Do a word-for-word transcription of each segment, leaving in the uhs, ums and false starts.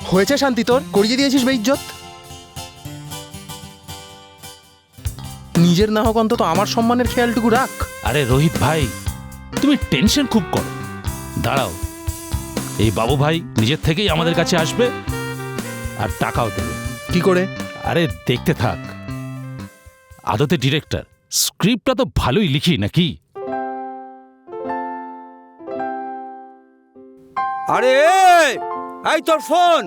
হয়েছে শান্তি, তোর করিয়ে দিয়েছিস বেইজ্জত। নিজের না হোক অন্তত আমার সম্মানের খেয়ালটুকু রাখ। আরে রোহিত ভাই, তুমি টেনশন খুব করো। দাঁড়াও, এই বাবু ভাই নিজের থেকেই আমাদের কাছে আসবে আর টাকাও দেবে। কি করে? আরে দেখতে থাক। আদতে ডিরেক্টর, স্ক্রিপ্টটা তো ভালোই লিখি নাকি? আরে এই তোর ফোন।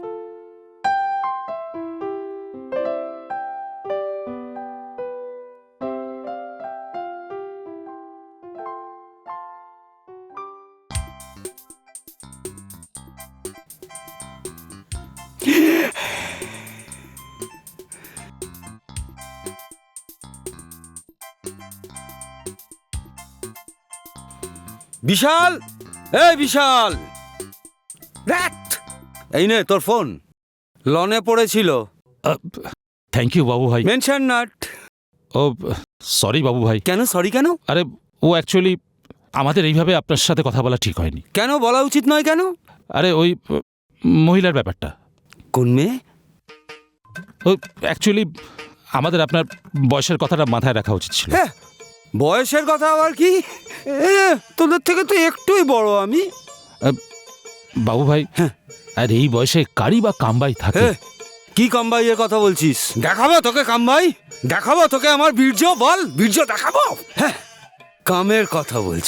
বিশাল, এই বিশাল, এই নে তোর ফোন। লনে পড়েছিল। থ্যাংক ইউ বাবু ভাই। Mention not. ও সরি বাবু ভাই। কেন সরি কেন? আরে ও অ্যাকচুয়ালি আমাদের এইভাবে আপনার সাথে কথা বলা ঠিক হয়নি। কেন বলা উচিত নয় কেন? আরে ওই মহিলার ব্যাপারটা। কোন মেয়ে? ও অ্যাকচুয়ালি আমাদের আপনার বয়সের কথাটা মাথায় রাখা উচিত ছিল। হ্যাঁ, বয়সের কথা আবার কি? তোদের থেকে তো একটুই বড় আমি। বাবু ভাই, হ্যাঁ, আর এই বয়সে কারি বা কামবাই থাকে? কি কামবাইয়ের কথা বলছিস? দেখাবো তোকে কামবাই, দেখাবো তোকে আমার বীর্য। বল, বীর্য দেখাবো। হ্যাঁ, কামের কথা বলছি।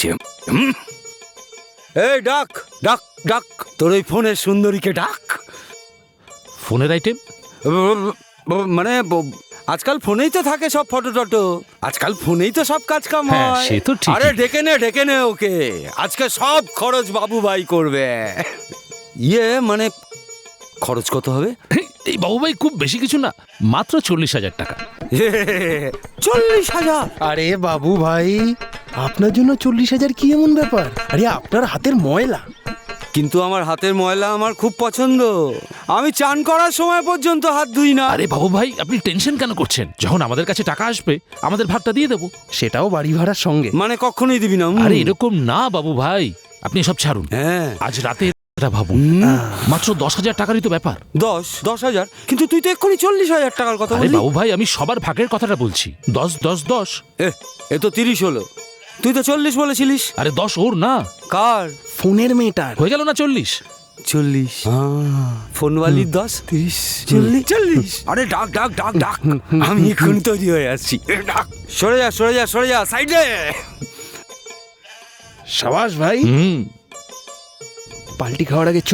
এই ডাক ডাক ডাক, তোর ওই ফোনের সুন্দরীকে ডাক। ফোনের আইটেম মানে আজকাল ফোনেই তো থাকে সব ফটো টটো, আজকাল ফোনেই তো সব কাজ কাম হ্যাঁ, হয়। সে তো ঠিক। আরে ডেকে নে ডেকে নে ওকে, আজকে সব খরচ বাবু ভাই করবে। ইয়ে মানে খরচ কত হবে? এই বাবু ভাই খুব বেশি কিছু না, মাত্র চল্লিশ হাজার টাকা। চল্লিশ হাজার? আরে বাবু ভাই, আপনার জন্য চল্লিশ হাজার কি এমন ব্যাপার? আরে আপনার হাতের ময়লা। কিন্তু আমার হাতের ময়লা আমার খুব পছন্দ। আমি চান করার সময় পর্যন্ত হাত ধুই না। আরে বাবু ভাই, আপনি টেনশন কেন করছেন? যখন আমাদের কাছে টাকা আসবে আমাদের ভাগটা দিয়ে দেবো। সেটাও বাড়ি ভাড়ার সঙ্গে। মানে কখনোই দিবি না? আরে এরকম না বাবু ভাই, আপনি সব ছাড়ুন। হ্যাঁ, আজ রাতে এটা ভাবুন, মাত্র দশ হাজার টাকারই তো ব্যাপার। দশ দশ হাজার? কিন্তু তুই তো এক্ষুনি চল্লিশ হাজার টাকার কথা আরে বললি। বাবু ভাই, আমি সবার ভাগের কথাটা বলছি। দশ দশ দশ। এ এ তো তিরিশ হলো, তুই তো চল্লিশ বলেছিলিস। আরে দশ ওর না, কার? ফোনের মেয়েটার। হয়ে গেল না চল্লিশ? চল্লিশ। ফোনওয়ালির দশ, তিরিশ, চল্লিশ চল্লিশ। আরে ডাক ডাক ডাক ডাক, আমি এখন তৈরি হয়ে আসছি। ডাক। সরে যা সরে যা সরে যা, সাইডে। সাবাস ভাই। হুম, পাল্টি খাওয়ার আগে চ।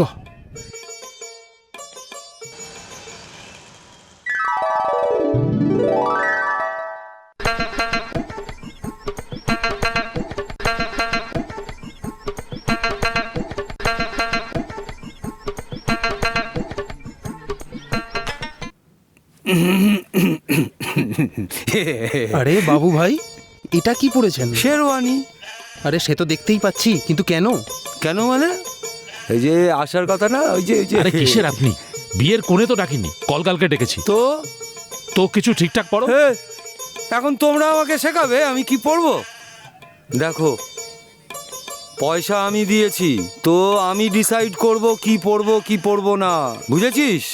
আরে বাবু ভাই, এটা কি পড়েছেন? শেরওয়ানি। আরে সে তো দেখতেই পাচ্ছি, কিন্তু কেন? কেন মানে? এই যে আসার কথা না, ওই যে ওই যে আরে কিসের আপনি? বিয়ের কোণে তো ডাকিনি, কলকালকে ডেকেছি। তো তো কিছু ঠিকঠাক পড়ো। এখন তোমরা আমাকে শেখাবে আমি কি পড়বো? দেখো, পয়সা আমি দিয়েছি, তো আমি ডিসাইড করব কি পড়বো কি পড়বো না, বুঝেছিস?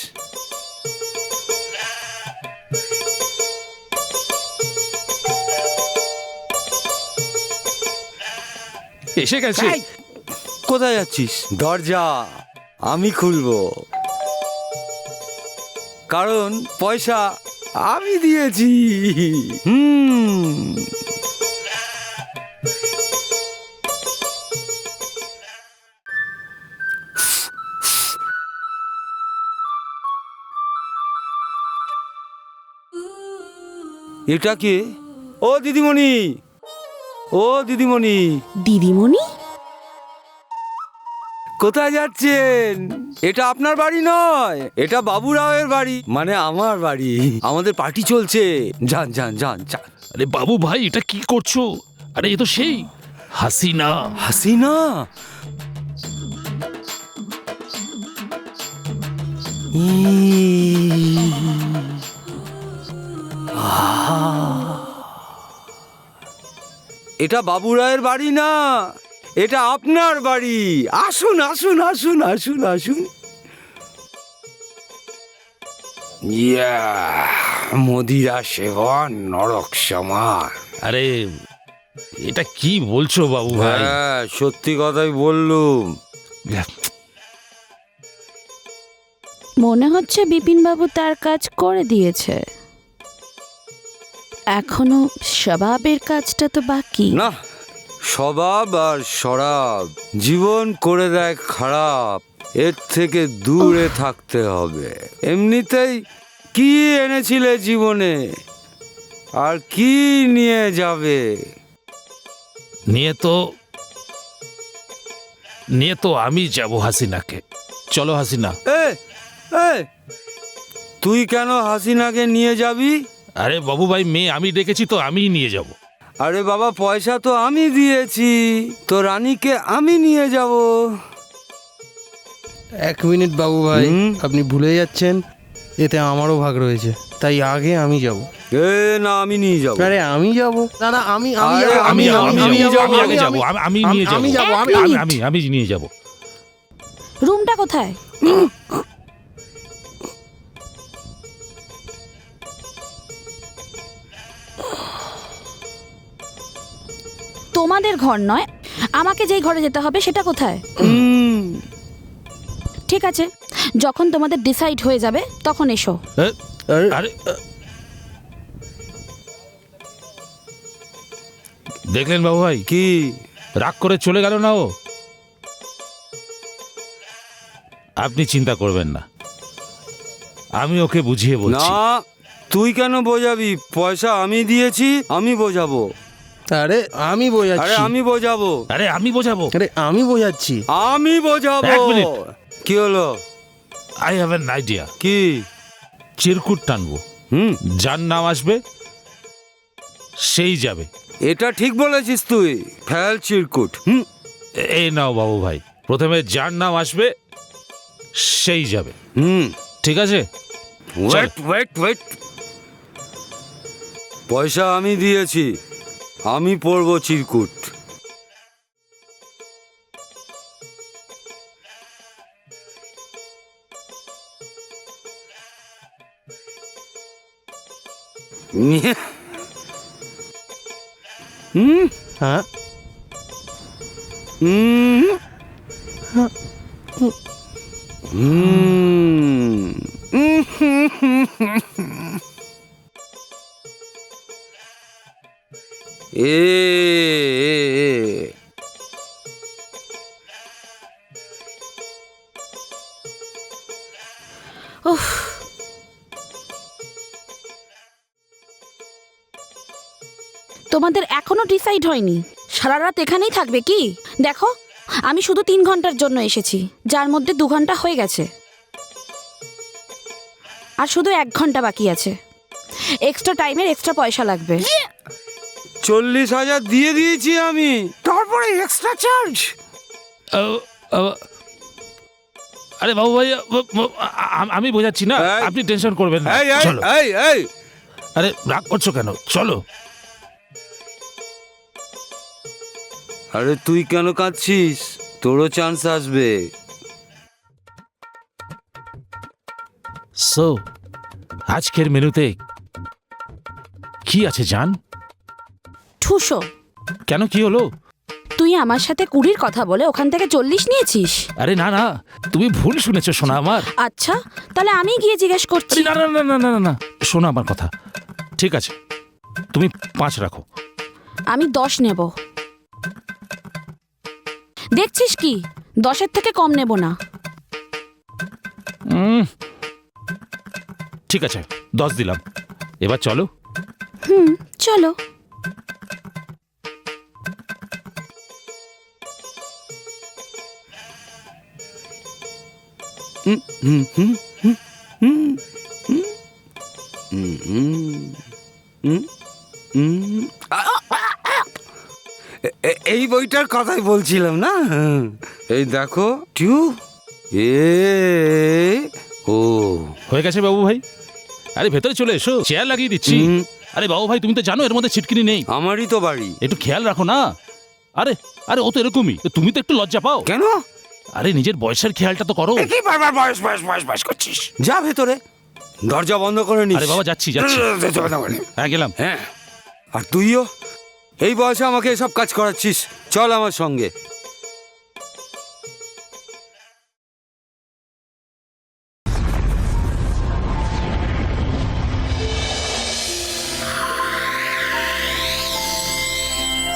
এসে গেছে। কোথায় যাচ্ছিস? দরজা আমি খুলবো, কারণ পয়সা আমি দিয়েছি। হুম এটা কে? ও দিদিমণি, ও দিদিমণি। দিদিমণি? কোথায় যাচ্ছেন? এটা আপনার বাড়ি নয়, এটা বাবু রাওয়ের বাড়ি, মানে আমার বাড়ি। আমাদের পার্টি চলছে, যান যান যান যান। আরে বাবু ভাই, এটা কি করছো? আরে এ তো সেই হাসিনা। হাসিনা? এটা বাবু রায়ের বাড়ি না, এটা আপনার বাড়ি। আসুন আসুন আসুন আসুন আসুন। ইয়া মদিরা সেবন নরক সমান। আরে এটা কি বলছো বাবু ভাই? হ্যাঁ সত্যি কথাই বললুম। মনে হচ্ছে বিপিনবাবু তার কাজ করে দিয়েছে, এখনো স্বভাবের কাজটা তো বাকি। না, স্বভাব আর শরাব জীবন করে দেয় খারাপ, এর থেকে দূরে থাকতে হবে। এমনিতেই কি এনেছিলে জীবনে, আর কি নিয়ে যাবে? নিয়ে তো নিয়ে তো আমি যাব হাসিনাকে। চলো হাসিনা। এ এ, তুই কেন হাসিনাকে নিয়ে যাবি? আরে বাবু ভাই, মেয়ে আমি ডেকেছি তো আমিই নিয়ে যাব। আরে বাবা, পয়সা তো আমি দিয়েছি, তো রানীকে আমি নিয়ে যাব। এক মিনিট বাবু ভাই, হুম? আপনি ভুলে যাচ্ছেন এতে আমারও ভাগ রয়েছে, তাই আগে আমি যাব। এ না, আমি নিয়ে যাব। আরে আমি যাব না, না আমি আমি আরে, যাবো, আমি আমি আমি আমি আমি যাবো, আমি আগে আমি যাব, আমি আমি নিয়ে যাব। আমি যাবো, আমি এক আমি মিনিট। আমি আমি নিয়ে যাব। রুমটা কোথায়? তোমাদের ঘর নয়, আমাকে যেই ঘরে যেতে হবে সেটা কোথায়? হুম, ঠিক আছে, যখন তোমাদের ডিসাইড হয়ে যাবে তখন এসো। এ, আরে, আরে দেখলেন বাবু ভাই, কি? রাগ করে চলে গেল না ও? আপনি চিন্তা করবেন না, আমি ওকে বুঝিয়ে বলছি। না, তুই কেন বোঝাবি? পয়সা আমি দিয়েছি, আমি বোঝাবো। আরে আমি আরে বোঝাচ্ছি, আমি বোঝাবো, আরে আমি বোঝাবো। আরে আমি বোঝাচ্ছি। আমি বোঝাবো। এক মিনিট। কি হলো? I have an idea. কি? চিরকুট টানবো, হুম, যার নাম আসবে সেই যাবে। এটা ঠিক বলেছিস তুই। ফেল চিরকুট। হুম, এ- এই নাও বাবু ভাই, প্রথমে যার নাম আসবে সেই যাবে। হুম। ঠিক আছে? ওয়েট ওয়েট ওয়েট, পয়সা আমি দিয়েছি, আমি পড়বো চিরকুট। হুম হ্যাঁ, হুম হুম এ এ, এ। উফ, তোমাদের এখনো ডিসাইড হয়নি? সারা রাত এখানেই থাকবে কি? দেখো, আমি শুধু তিন ঘন্টার জন্য এসেছি, যার মধ্যে দু ঘন্টা হয়ে গেছে, আর শুধু এক ঘন্টা বাকি আছে। এক্সট্রা টাইমের এক্সট্রা পয়সা লাগবে। চল্লিশ হাজার দিয়ে দিয়েছি আমি, তারপরে এক্সট্রা চার্জ। ও, ও, আরে বাবু ভাই, ও, ও, আ- আ- আমি বোঝাচ্ছি না, এই। আপনি টেনশন করবেন না। এই এই চলো। এই এই, আরে রাগ করছো কেন? চলো। আরে তুই কেন কাঁদছিস? তোরও চান্স আসবে। সো আজকের মেনুতে কি আছে জান? ঠুসো, কেন, কি হলো? তুই আমার সাথে কুড়ির কথা বলে ওখান থেকে চল্লিশ নিয়েছিস? আরে না না, তুমি ভুল শুনেছো শোনা আমার। আচ্ছা, তাহলে আমি গিয়ে জিজ্ঞেস করছি। আরে না না না না না না, শোনো আমার কথা। ঠিক আছে, তুমি পাঁচ রাখো। আমি দশ নেব। দেখছিস কি, দশের থেকে কম নেব না। উম, ঠিক আছে, দশ দিলাম। এবার চলো। হুম, চলো। হুম হুম হুম হুম হুম হুম হুম হুম হুম। আ, আ, আ। এ- এ- এই বইটার কথাই বলছিলাম না। এই দেখো, টু এ ও। হয়ে গেছে বাবু ভাই। আরে ভেতরে চলে এসো, চেয়ার লাগিয়ে দিচ্ছি। হুম। আরে বাবু ভাই, তুমি তো জানো এর মধ্যে ছিটকিনি নেই। আমারই তো বাড়ি। একটু খেয়াল রাখো না। আরে আরে ও তো এরকমই, তুমি তো একটু লজ্জা পাও। কেন? আরে নিজের বয়সের খেয়ালটা তো করো। কি বারবার বয়স বয়স বয়স বয়স করছিস? যা ভেতরে, দরজা বন্ধ করে নিস। আরে বাবা যাচ্ছি যাচ্ছি দরজা বন্ধ করে নে। হ্যাঁ গেলাম। হ্যাঁ, আর তুইও এই বয়সে আমাকে এসব কাজ করাচ্ছিস। চল আমার সঙ্গে।